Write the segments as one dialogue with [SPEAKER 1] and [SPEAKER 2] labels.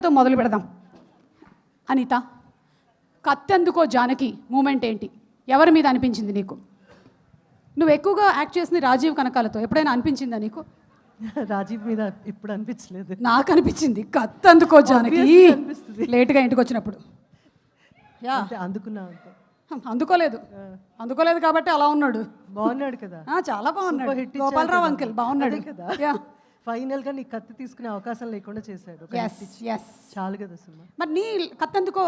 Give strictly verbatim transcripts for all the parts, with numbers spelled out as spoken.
[SPEAKER 1] తో మొదలు పెడదాం. అనిత, కత్తెందుకో జానకి మూమెంట్ ఏంటి? ఎవరి మీద అనిపించింది నీకు? నువ్వు ఎక్కువగా యాక్ట్ చేసింది రాజీవ్ కనకాలతో, ఎప్పుడైనా అనిపించిందా నీకు?
[SPEAKER 2] రాజీవ్ మీద ఇప్పుడు అనిపించలేదు.
[SPEAKER 1] నాకు అనిపించింది కత్తెందుకో జానకి లేట్గా ఇంటికి వచ్చినప్పుడు. యా
[SPEAKER 2] అందుకున్నా
[SPEAKER 1] అందుకోలేదు అందుకోలేదు కాబట్టి అలా ఉన్నాడు.
[SPEAKER 2] బాగున్నాడు కదా,
[SPEAKER 1] చాలా బాగున్నాడు. గోపాలరావు అంకిల్ బాగున్నాడు
[SPEAKER 2] కదా.
[SPEAKER 1] యా
[SPEAKER 2] ఫైనల్ గా నీ కత్తి తీసుకునే అవకాశం లేకుండా చేశాడు. చాలు కదా సుమా.
[SPEAKER 1] మరి నీ కత్తెందుకో,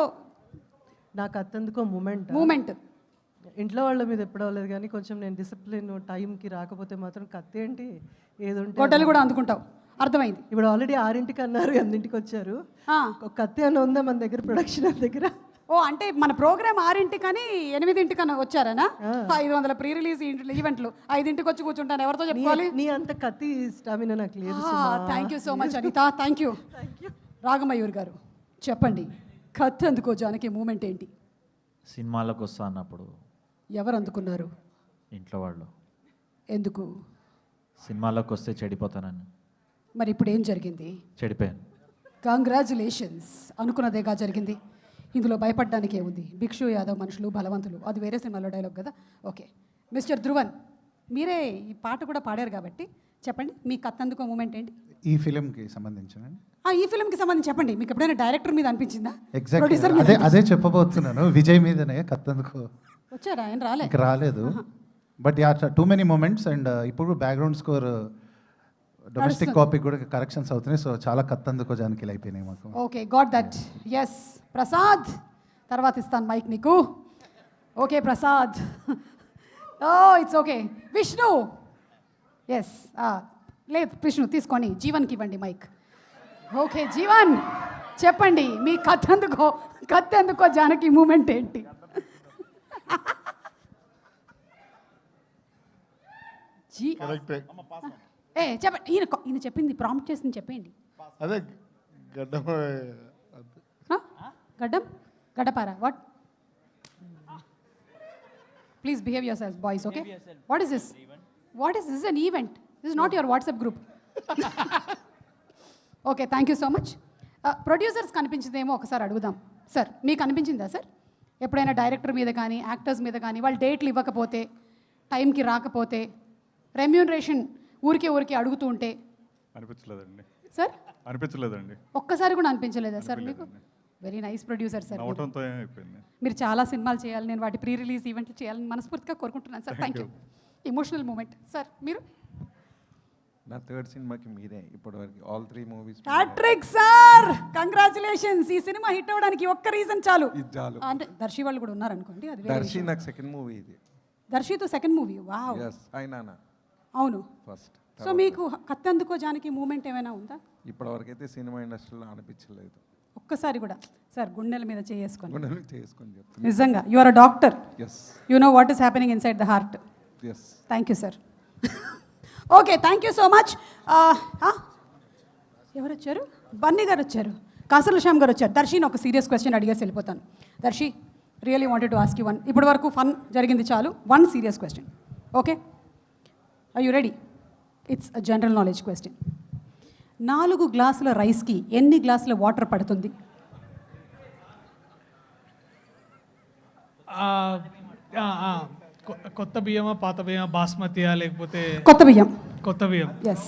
[SPEAKER 2] నా కత్తెందుకో మూమెంట్
[SPEAKER 1] మూమెంట్
[SPEAKER 2] ఇంట్లో వాళ్ళ మీద ఎప్పుడు అవ్వలేదు కానీ కొంచెం నేను డిసిప్లిన్ టైంకి రాకపోతే మాత్రం కత్తి ఏంటి ఏదో
[SPEAKER 1] గొడ్డలు కూడా అందుకుంటావు, అర్థమైంది.
[SPEAKER 2] ఇప్పుడు ఆల్రెడీ ఆరింటికి అన్నారు, ఎనిమిదింటికి వచ్చారు. ఒక కత్తి అని ఉందా మన దగ్గర, ప్రొడక్షన్ దగ్గర?
[SPEAKER 1] ఓ అంటే మన ప్రోగ్రామ్ ఆరింటికి కానీ ఎనిమిదింటికన్నా వచ్చారనా? ఐదు వందల ప్రీ రిలీజ్ ఈవెంట్లు ఐదింటికి వచ్చి కూర్చుంటాను, ఎవరితో చెప్పుకోవాలి?
[SPEAKER 2] నీ అంత కత్తి స్టామినా నాకు లేదు.
[SPEAKER 1] Thank you so much Anitha, thank you. Ragamayur గారు చెప్పండి, కత్తి అందుకో జానకి మూమెంట్ ఏంటి?
[SPEAKER 3] సినిమాలకు వస్తా అన్నప్పుడు
[SPEAKER 1] ఎవరు అందుకున్నారు?
[SPEAKER 3] ఇంట్లో వాళ్ళు.
[SPEAKER 1] ఎందుకు?
[SPEAKER 3] సినిమాలకు వస్తే చెడిపోతానని.
[SPEAKER 1] మరి ఇప్పుడు ఏం జరిగింది?
[SPEAKER 3] చెడిపోయాను.
[SPEAKER 1] కంగ్రాచులేషన్స్, అనుకున్నదేగా జరిగింది. ఇందులో భయపడడానికి ఏముంది? భిక్షు యాదవ్ మనుషులు బలవంతులు, అది వేరే సినిమాలో డైలాగ్ కదా. ఓకే మిస్టర్ ధ్రువన్, మీరే ఈ పాట కూడా పాడారు కాబట్టి చెప్పండి, మీ కత్తందుకో మూమెంట్ ఏంటి?
[SPEAKER 4] ఈ ఫిలింకి సంబంధించిన
[SPEAKER 1] ఈ ఫిల్మ్కి సంబంధించి చెప్పండి. మీకు ఎప్పుడైనా డైరెక్టర్ మీద అనిపించిందా?
[SPEAKER 4] ఎగ్జాక్ట్లీ అదే అదే చెప్పబోతున్నాను. విజయ్ మీదనే కత్తందుకో.
[SPEAKER 1] వచ్చారా? ఆయన రాలే,
[SPEAKER 4] ఇంకా రాలేదు. But ya too many moments. And ఇప్పుడు బ్యాక్గ్రౌండ్ స్కోర్ డొమెస్టిక్ కాపీ కూడా కరెక్షన్స్ అవుతున్నాయి. సో చాలా కత్తందుకో జానకి అయిపోయినాయి మాకు.
[SPEAKER 1] Okay got that. Yes Prasad, తర్వాత ఇస్తాను మైక్ నీకు. Okay Prasad. Oh it's okay. Vishnu, yes లేదు విష్ణు తీసుకొని జీవన్కి ఇవ్వండి మైక్. ఓకే జీవన్ చెప్పండి, మీ కత్తెందుకో కత్తెందుకో జానకి మూమెంట్ ఏంటి? జీ ఏ చెప్పండి, ఈయన ఈయన చెప్పింది ప్రాంప్ట్ చేసింది చెప్పండి.
[SPEAKER 5] అదే గడ్డం
[SPEAKER 1] గడ్డం గడ్డపారా? What? Please behave yourself boys. Okay what is this? What is this? An event. This is not your WhatsApp group. Okay thank you so much. Producers కనిపించిందేమో ఒకసారి అడుగుదాం. సార్ మీకు అనిపించిందా సార్ ఎప్పుడైనా డైరెక్టర్ మీద కానీ యాక్టర్స్ మీద కానీ వాళ్ళు డేట్లు ఇవ్వకపోతే, టైంకి రాకపోతే, రెమ్యూనరేషన్ ఊరికే ఊరికే అడుగుతూ ఉంటే?
[SPEAKER 5] అనిపించలేదండి
[SPEAKER 1] సార్.
[SPEAKER 5] అనిపించలేదండి.
[SPEAKER 1] ఒక్కసారి కూడా అనిపించలేదా సార్ మీకు? Very nice producer sir. మీరు చాలా సినిమాలు చేయాలి, నేను వాటి ప్రీ రిలీజ్ ఈవెంట్లు చేయాలని మనస్ఫూర్తిగా కోరుకుంటున్నాను sir. Thank you. Emotional moment. Sir మీరు?
[SPEAKER 6] నా థర్డ్ సినిమాకి మీరే ఇప్పటివరకు all three movies.
[SPEAKER 1] Hat-trick sir, congratulations. ఈ సినిమా హిట్ అవ్వడానికి ఒక్క రీజన్ చాలు.
[SPEAKER 6] ఇది చాలు.
[SPEAKER 1] అంటే దర్శి వాళ్ళు కూడా ఉన్నారు అనుకోండి, అది
[SPEAKER 6] దర్శి నాకు సెకండ్ మూవీ ఇది.
[SPEAKER 1] దర్శితో సెకండ్ మూవీ. వావ్.
[SPEAKER 6] yes అయినా
[SPEAKER 1] అవును.
[SPEAKER 6] ఫస్ట్.
[SPEAKER 1] సో మీకు కత్తెందుకో జానకి మూమెంట్ ఏమైనా ఉందా?
[SPEAKER 6] ఇప్పటివరకు అయితే సినిమా ఇండస్ట్రీలో అనిపించలేదు
[SPEAKER 1] ఒక్కసారి కూడా. సార్ గుండెల మీద చేసుకొని
[SPEAKER 6] గుండెలు చేసుకొని చెప్తాను.
[SPEAKER 1] నిజంగా you are a doctor.
[SPEAKER 6] Yes
[SPEAKER 1] you know what is happening inside the heart.
[SPEAKER 6] Yes
[SPEAKER 1] thank you sir. Okay thank you so much. ఎవరు వచ్చారు? బన్నీ గారు వచ్చారు, కాసర్ల శ్యామ్ గారు వచ్చారు. దర్శిని ఒక సీరియస్ క్వశ్చన్ అడిగేసి వెళ్ళిపోతాను. Darshi really wanted to ask you one. ఇప్పటి వరకు ఫన్ జరిగింది చాలు, one serious question. Okay are you ready? It's a general knowledge question. నాలుగు గ్లాసుల రైస్కి ఎన్ని గ్లాసుల వాటర్ పడుతుంది?
[SPEAKER 7] కొత్త బియ్యమా పాత బియ్యమా, బాస్మతియా లేకపోతే?
[SPEAKER 1] కొత్త బియ్యం.
[SPEAKER 7] కొత్త బియ్యం.
[SPEAKER 1] ఎస్.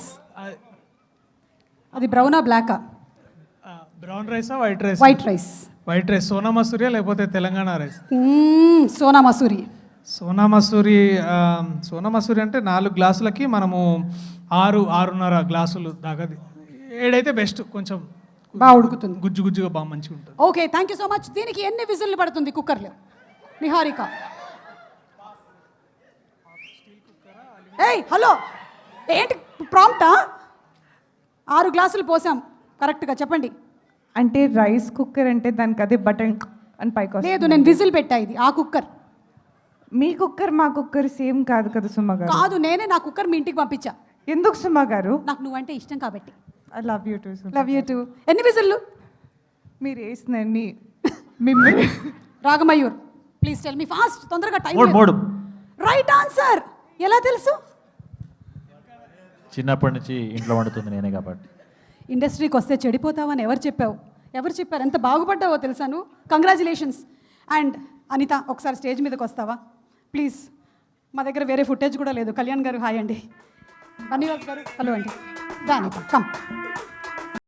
[SPEAKER 1] అది బ్రౌనా బ్లాకా?
[SPEAKER 7] బ్రౌన్ రైసా white rice?
[SPEAKER 1] White rice.
[SPEAKER 7] White rice. Sona మసూరియా లేకపోతే తెలంగాణ రైస్?
[SPEAKER 1] సోనా మసూరి.
[SPEAKER 7] సోనా మసూరి. సోనా మసూరి అంటే నాలుగు గ్లాసులకి మనము ఆరు ఆరున్నర గ్లాసులు దాకా, ఏడైతే బెస్ట్, కొంచెం
[SPEAKER 1] బాగా ఉడుకుతుంది,
[SPEAKER 7] గుజ్జు గుజ్జుగా బాగా మంచిగా ఉంటుంది.
[SPEAKER 1] Okay thank you so much. దీనికి ఎన్ని విజిల్లు పడుతుంది కుక్కర్లో? నిహారిక. ఏయ్ హలో, ఏంటి ప్రాంప్టా? ఆరు గ్లాసులు పోసాం కరెక్ట్గా చెప్పండి.
[SPEAKER 8] అంటే రైస్ కుక్కర్ అంటే దానికి అదే బటన్ అని పైకి.
[SPEAKER 1] లేదు నేను విజిల్ పెట్టా, ఇది ఆ కుక్కర్.
[SPEAKER 8] మీ కుక్కర్ మా కుక్కర్ సేమ్ కాదు కదా సుమ గారు?
[SPEAKER 1] కాదు, నేనే నా కుక్కర్ మీ ఇంటికి పంపించా.
[SPEAKER 8] ఎందుకు సుమ గారు?
[SPEAKER 1] నాకు నువ్వంటే ఇష్టం కాబట్టి.
[SPEAKER 8] I love you too.
[SPEAKER 1] Love you too. ఎన్ని విజిల్లు?
[SPEAKER 8] మీరు వేసినండి. మిమ్మల్ని
[SPEAKER 1] Ragamayur please tell me fast, తొందరగా టైం.
[SPEAKER 3] మూడు.
[SPEAKER 1] Right answer. ఎలా తెలుసు?
[SPEAKER 3] చిన్నప్పటి నుంచి ఇంట్లో వండుతుంది నేనే కాబట్టి.
[SPEAKER 1] ఇండస్ట్రీకి వస్తే చెడిపోతావని ఎవరు చెప్పావు? ఎవరు చెప్పారు? ఎంత బాగుపడ్డావో తెలుసాను. కంగ్రాచులేషన్స్. అండ్ అనిత, ఒకసారి స్టేజ్ మీదకి వస్తావా ప్లీజ్? మా దగ్గర వేరే ఫుటేజ్ కూడా లేదు. కళ్యాణ్ గారు హాయ్ అండి. బన్నీవాస్ గారు హలో అండి. దా అనిత కమ్.